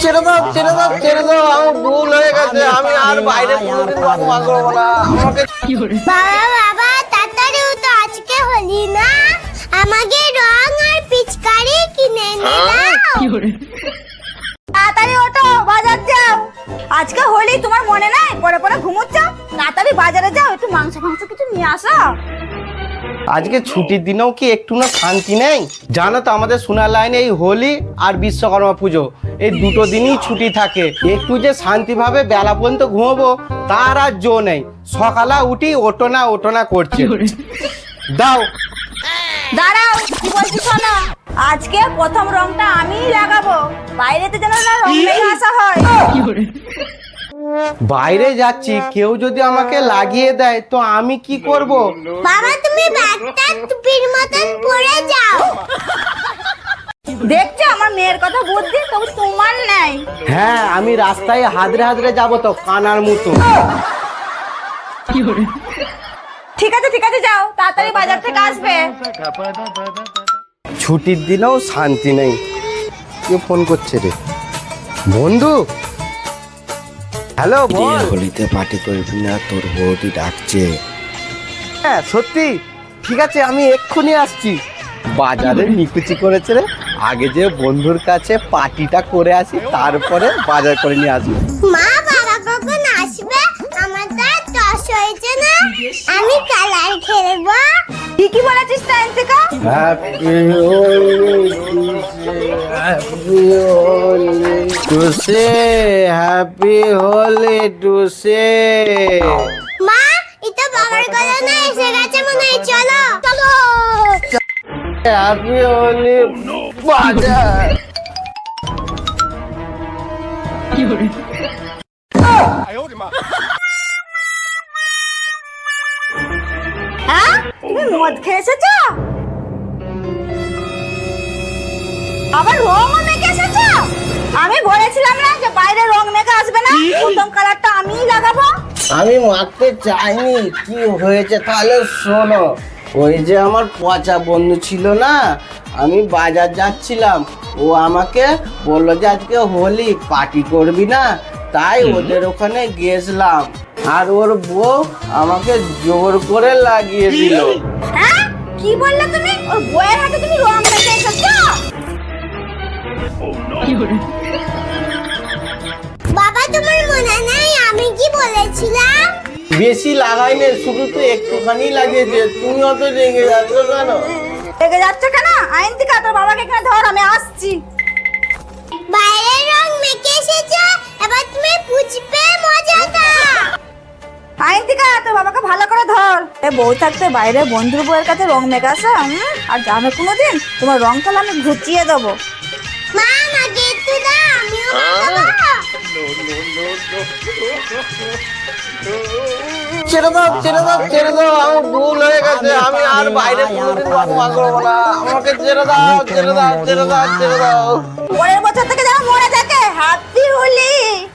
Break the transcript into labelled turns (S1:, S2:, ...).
S1: ছেড়ে দাও ছেড়ে দাও ছেড়ে দাও, আমার ভুল হয়ে গেছে, আমি আর বাইরে কোনোদিন রং করবো না। আমাকে
S2: বাবা বাবা তাড়াতাড়ি তো আজকে হোলি না, আমাকে রং আর পিচকারি কিনে এনে দাও।
S3: তাড়াতাড়ি ওঠো, বাজার যাও। আজকে হোলি, তোমার মনে নাই? পরে পরে ঘুমোচ্ছ, তাড়াতাড়ি বাজারে যাও, একটু মাংস কিছু নিয়ে আসো।
S1: আজকে ছুটির দিনেও কি একটু না শান্তি নেই? জানো তো আমাদের সোনার লাইনে এই হোলি আর বিশ্বকর্মা পুজো, এই দুটো দিনই ছুটি থাকে। একটু যে শান্তিভাবে বেলা পর্যন্ত ঘুমাবো তার আর জো নেই। সকালে উঠি ওটো না করছে। দাও
S3: দাঁড়াও, কি বলছি শোনো। আজকে প্রথম রংটা আমিই লাগাবো, বাইরেতে যেন না রং লেগে আসা হয়।
S1: বাইরে যাচ্ছি, কেউ যদি আমাকে লাগিয়ে দেয় তো আমি কি করব?
S2: বাবা তুমি ব্যাগটা টুপির মতন পরে যাও।
S3: দেখছো আমার মেয়ের কথা বুদ্ধি, তবু তোমার নাই।
S1: হ্যাঁ, আমি রাস্তায় হাদরে যাবো তো কানার মতো।
S3: ঠিক আছে যাও, তাড়াতাড়ি বাজার থেকে আসবে।
S1: ছুটির দিনেও শান্তি নেই। কে ফোন করছে রে? বন্ধু, হ্যালো বল।
S4: হোলিতে পার্টি করবি না? তোর বৌদি ডাকছে।
S1: হ্যাঁ সত্যি, ঠিক আছে আমি এক্ষুনি আসছি। বাজারে নিকুচি করেছে রে, আগে যে বন্ধুর কাছে পার্টিটা করে আসি, তারপরে বাজার করে নিয়ে আসবো।
S2: মা বাবা কখন আসবে? আমার তো আর টস হয়েছে না, আমি কালার খেলবো।
S3: ঠিকই বলেছিস টাইম থেকে।
S1: হ্যাপি হোলি টুসে, হ্যাপি হোলি টুসে।
S2: মা এটা বাবার কথা না, এসে গেছে মনে হয়, চলো চলো।
S1: হ্যাপি হোলি বাজার।
S3: হ্যাঁ, তুমি মদ খেয়ে এসেছো? আবার রংও মেখে এসেছো? আমি বলেছিলাম না যে বাইরে রং মেখে আসবে না, প্রথম কালারটা আমিই লাগাবো।
S1: আমি মারতে চাইনি, কি হয়েছে তাহলে শোনো। ওই যে আমার পচা বন্ধু ছিল না, আমি বাজার যাচ্ছিলাম, ও আমাকে বললো যে আজকে হোলি পার্টি করবি না, তাই ওদের ওখানে গেছিলাম। আর ওর বউ আমাকে জোর করে লাগিয়ে দিল।
S3: হ্যাঁ, কি বললে তুমি? ওর বউয়ের হাতে তুমি রং মেখে এসেছো?
S2: বাবা তোমার মনে নাই আমি কি বলেছিলাম?
S1: বেশি লাগাইনি, শুধু তো একটুখানি লাগিয়েছে, তুমি অত রেগে যাচ্ছ কেন?
S3: রেগে যাচ্ছ কেন? আইন থেকে তোর বাবাকে এখানে ধর, আমি আসছি।
S2: বাইরের রং মেখে এসেছো, এবার তুমি পুচবে মজাটা।
S3: আইন থেকে তোর বাবাকে ভালো করে ধর। এ বউ থাকতে বাইরে বন্ধুর বউয়ের কাছে রং মেখে আসা, আর জানো কোনোদিন তোমার রং খেলা আমি ঘুচিয়ে দেবো।
S2: মা আমাকে একটু দাও, আমিও মাখাবো।
S1: ছেড়ে দাও ছেড়ে দাও ছেড়ে দাও, আমার ভুল হয়ে গেছে, আমি আর বাইরে কোনোদিন রং করবো না। আমাকে ছেড়ে দাও ছেড়ে দাও ছেড়ে দাও ছেড়ে দাও।
S3: পরের বছর থেকে যেন মনে থাকে হ্যাপি হোলি।